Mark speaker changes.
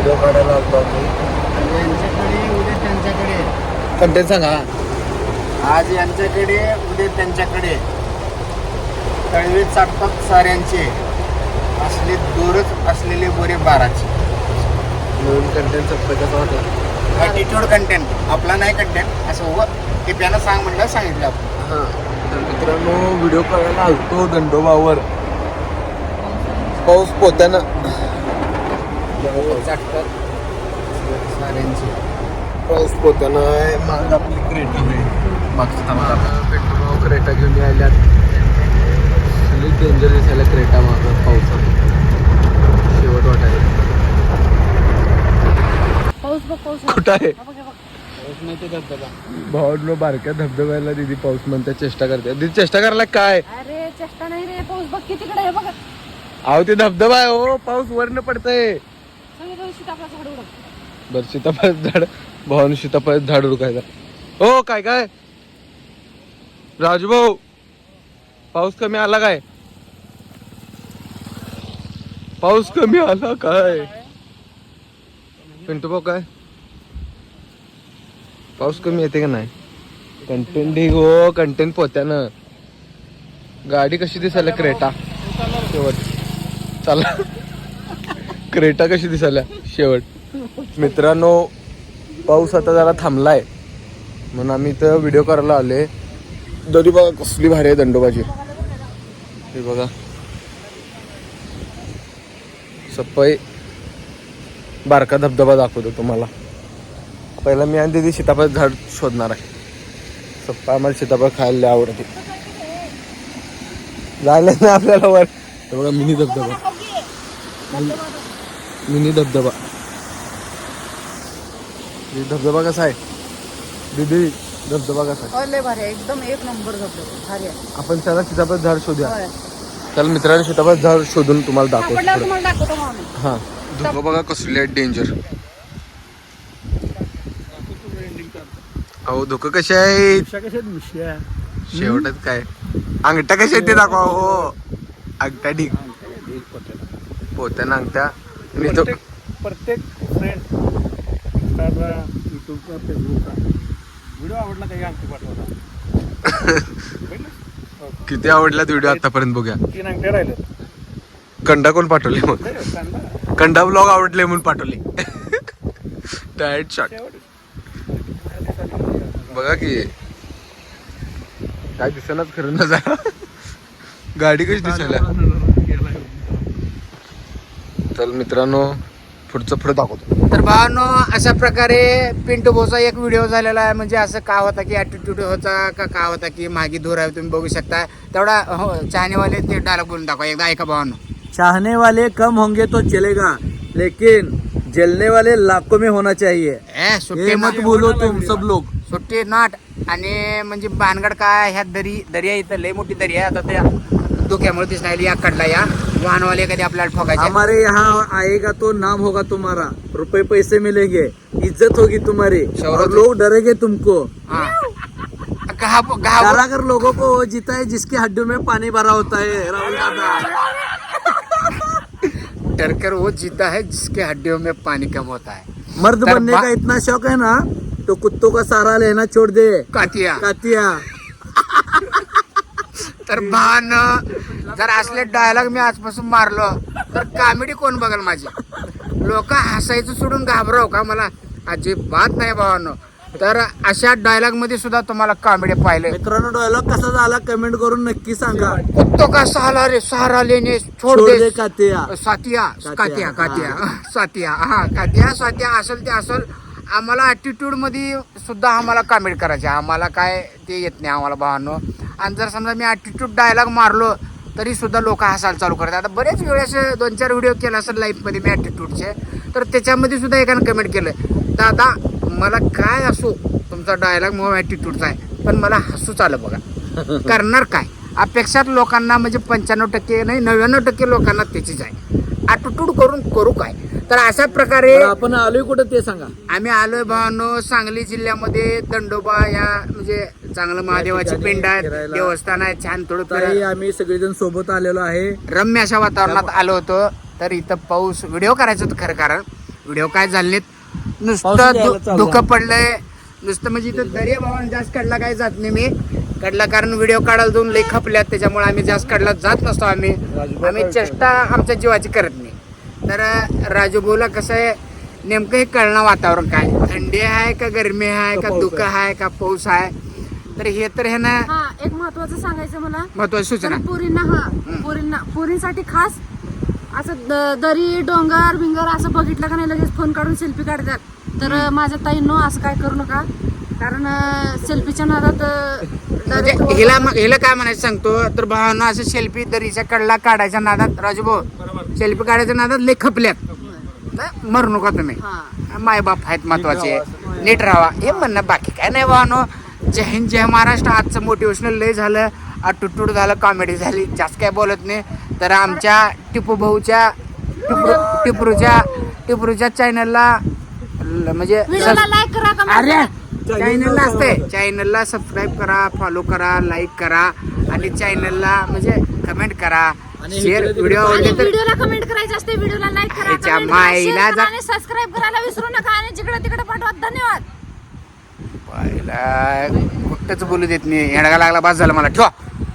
Speaker 1: Video काढायला आलो आम्ही.
Speaker 2: यांच्याकडे उद्या त्यांच्याकडे.
Speaker 1: कंटेंट सांगा.
Speaker 2: आज यांच्याकडे उद्या त्यांच्याकडे. तळवे चाटतात साऱ्यांचे, असले दूरच असलेले बोरे बाराचे.
Speaker 1: नवीन कंटेंट संपलं कसं वाटलं?
Speaker 2: ॲटिट्यूड कंटेंट आपला नाही कंटेंट असं व टिप्यानं सांग म्हणलं सांगितलं आपण.
Speaker 1: हां, तर मित्रांनो व्हिडिओ करायला आलतो दंडोबावर. पाऊस पोत्यानं
Speaker 2: चाटतात साऱ्यांचे.
Speaker 1: पाऊस पोत्यानं आहे. माग आपली क्रेटा आहे. मागचं पेट्रोल क्रेटा घेऊन यायल्यात. डेंजर दिसायला क्रेटा मागं पावसात शेवट वाटायला. कुठं आहे भाऊ? बारक्या धबधब्याला दिदी पाऊस म्हणते, चेष्टा करते. दिदी चेष्टा करायला काय?
Speaker 3: अरे चेष्टा नाही रे, पाऊस बघ कितीकडे आहे बघ.
Speaker 1: अहो ते धबधबा आहे हो, पाऊस वरनं पडतंय.
Speaker 3: सीताफळ झाड उडक.
Speaker 1: बर सीताफळ झाड, भाऊन सीताफळ झाड उडकायचा. हो काय काय राजूभाऊ, पाऊस कमी आला काय? पाऊस कमी आला काय? पिंटू भाऊ काय पाऊस कमी येते का नाही? कंटेंट ढीग हो, कंटेंट पोत्यानं. गाडी कशी दिसायला क्रेटा शेवट. चला क्रेटा कशी दिसायला शेवट. मित्रांनो पाऊस आता जरा थांबलाय म्हणून आम्ही इथं व्हिडिओ करायला आले. दरी बघा कसली भारी आहे दंडोबाची. हे बघा सप्पाई बारका धबधबा दाखवतो तुम्हाला. पहिला मी आणि दीदी सीताफळ झाड शोधणार आहे. सप्पा आम्हाला सीताफळ खायला लय आवडते. जायला नाही आपल्याला वर. हे बघा मिनी धबधबा, मिनी धबधबा. धबधबा कसा आहे दीदी? धबधबा कसा आहे?
Speaker 3: लय भारी आहे, एकदम एक नंबर धबधबा भारी आहे.
Speaker 1: आपण त्याला सीताफळ झाड शोधूया. त्याला मित्रांनी सीताफळ झाड शोधून तुम्हाला दाखवतो.
Speaker 3: तुम्हाला दाखवतो मग आम्ही.
Speaker 1: हा धुकं बघा कसले आहेत डेंजर. अहो धुकं कसे आहेत? शेवटच काय अंगठ्या कशा आहेत ते दाखवा. हो अंगठ्या ढीक पोत्यानं अंगठ्या. आणि तो
Speaker 2: प्रत्येक फ्रेंड इंस्टाला, युट्यूबचा, फेसबुकचा व्हिडिओ आवडला काही अंगठी पाठवला.
Speaker 1: किती आवडला व्हिडिओ आतापर्यंत बघूया.
Speaker 2: 3 अंगठ्या राहिले.
Speaker 1: कंडा कोण पाठवले मग? कंडा ब्लॉग आवडले म्हणून पाठवले. डायरेक्ट शॉट बघा की काय दिसेनाच खरं ना. जरा गाडी कशी दिसायला. चल मित्रांनो पुढचं पुढे दाखवतो.
Speaker 2: तर भावांनो अशा प्रकारे पिंटू भाऊचा एक व्हिडिओ झालेला आहे. म्हणजे असं का होता की ॲटिट्यूड होता का होता की मागे दूर आहे. तुम्ही बघू शकता तेवढा. हो चाहनेवाले ते डायलॉग बोलून दाखवा एकदा, ऐका भावांनो.
Speaker 4: चाहने वाले कम होंगे तो चलेगा, लेकिन जलने वाले लाखों में होना चाहिए.
Speaker 2: सुट्टी
Speaker 4: ये मत बोलो तुम सब लोग.
Speaker 2: सुट्टी नाट. आणि म्हणजे भानगड काय, ह्या दर्या इथं लय मोठी दर्या आहे. आता त्या धोक्यामुळे दिसणार या कडला या वाहनवाले कधी आपल्याला ठोकायचे.
Speaker 4: हमारे यहाँ आएगा तो नाम होगा तुम्हारा, रुपए पैसे मिलेंगे, इज्जत होगी तुम्हारी, और लोग डरेंगे तुमको. कारागर लोगों को वो जीता है जिसकी हड्डियों में पानी भरा होता है. राहुल दादा
Speaker 2: डरकर वो जीता है जिसके हड्डियों में पानी कम होता है.
Speaker 4: मर्द बनने का इतना शौक है ना तो कुत्तों का सहारा लेना छोड़ दे.
Speaker 2: कातिया
Speaker 4: कातिया.
Speaker 2: तर भान जर असले डायलॉग मी आजपासून मारलो तर कॉमेडी कोण बघल माझी? लोक हसायचं सोडून घाबराव का मला? अजिबात नाही भावांनो. तर अशा डायलॉग मध्ये सुद्धा तुम्हाला कॉमेडी पाहिलं.
Speaker 4: मित्रांनो डायलॉग कसा झाला कमेंट करून नक्की सांगा.
Speaker 2: कुत्तो का सहारा लेने छोड़ दे
Speaker 4: कातिया.
Speaker 2: सातिया कातिया कातिया सातिया. हा कातिया सातिया असेल ते असेल. आम्हाला ॲटिट्यूड मध्ये सुद्धा आम्हाला कॉमेडी करायचे. आम्हाला काय ते येत नाही आम्हाला भावांनो. आणि जर समजा मी ॲटिट्यूड डायलॉग मारलो तरी सुद्धा लोक हसायला चालू करतात. आता बरेच वेळेस 2-4 व्हिडिओ केले असेल लाईफमध्ये मी ॲटिट्यूडचे, तर त्याच्यामध्ये सुद्धा एकानं कमेंट केलं, दादा मला काय असो तुमचा डायलॉग मग ॲटिट्यूडचा आहे पण मला हसूच आलं बघा. करणार काय? अपेक्षात लोकांना म्हणजे 95% नाही 99% लोकांना त्याचीच आहे. ॲटिट्यूड करून करू काय? तर अशा प्रकारे
Speaker 4: आपण आलोय कुठं ते सांगा.
Speaker 2: आम्ही आलोय भावांनो सांगली जिल्ह्यामध्ये दंडोबा या म्हणजे चांगलं महादेवाची पिंड आहे, देवस्थान आहे. छान थोडं
Speaker 4: आम्ही सगळेजण सोबत आलेलो आहे.
Speaker 2: रम्य अशा वातावरणात आलो होतो. तर इथं पाऊस व्हिडिओ करायचं होतं खरं कारण व्हिडिओ काय झाले नाहीत.
Speaker 4: पाऊस यायला
Speaker 2: नुसतं
Speaker 4: चालू
Speaker 2: धुकं पडलंय नुसतं. म्हणजे इथं दर्या भावानं जास्त कडला काय जात नाही मी कडला, कारण व्हिडिओ काढायला जाऊन लई खपल्यात, त्याच्यामुळे आम्ही जास्त कडला जात नसतो. आम्ही चेष्टा आमच्या जीवाची करत नाही. तर राजूभाऊला कसं आहे नेमकं हे कळणं वातावरण काय, थंडी आहे का गरमी आहे का धुकं आहे का पाऊस आहे. तर हे तर हे ना
Speaker 3: हा एक महत्वाचं सांगायचं मला,
Speaker 2: महत्वाची सूचना.
Speaker 3: तर पोरींसाठी खास असं दरी डोंगर बिंगर असं बघितलं का नाही लगेच फोन काढून सेल्फी काढतात. तर माझ्या ताईंनो असं काय करू नका, कारण सेल्फीच्या नादात
Speaker 2: म्हणजे हिला काय म्हणायचं सांगतो, तर भावानं असं सेल्फी दरीच्या कडला काढायच्या नादात, राजूभाऊ सेल्फी काढायच्या नादात लय खपल्यात. मरू नका तुम्ही, मायबाप आहेत महत्वाचे, नीट राहा हे म्हणणं, बाकी काय नाही भावानो. जय हिंद जय महाराष्ट्र. आजचं मोटिवेशनल लय झालं, टुटूट झालं, कॉमेडी झाली, जास्त काय बोलत नाही. तर आमच्या टिपू भाऊच्या टिपरूच्या चॅनलला म्हणजे
Speaker 3: व्हिडिओला लाईक करा, comment
Speaker 2: अरे
Speaker 3: करा.
Speaker 2: चॅनलला असते, चॅनलला सबस्क्राईब करा, फॉलो करा, लाईक करा आणि चॅनलला म्हणजे कमेंट करा, शेअर. व्हिडिओ
Speaker 3: आणि
Speaker 2: आवडले तर
Speaker 3: व्हिडिओला कमेंट करायची असते, व्हिडिओला लाईक करा,
Speaker 2: ह्याच्या
Speaker 3: comment करा,
Speaker 2: माईला
Speaker 3: share करा
Speaker 2: जा-
Speaker 3: आणि सबस्क्राईब करायला विसरू नका आणि जिकडे तिकडे पाठवा. धन्यवाद.
Speaker 2: पाहिला कुठंच बोलू देत नाही, येडगा लागला, बस झालं मला. ठेवा.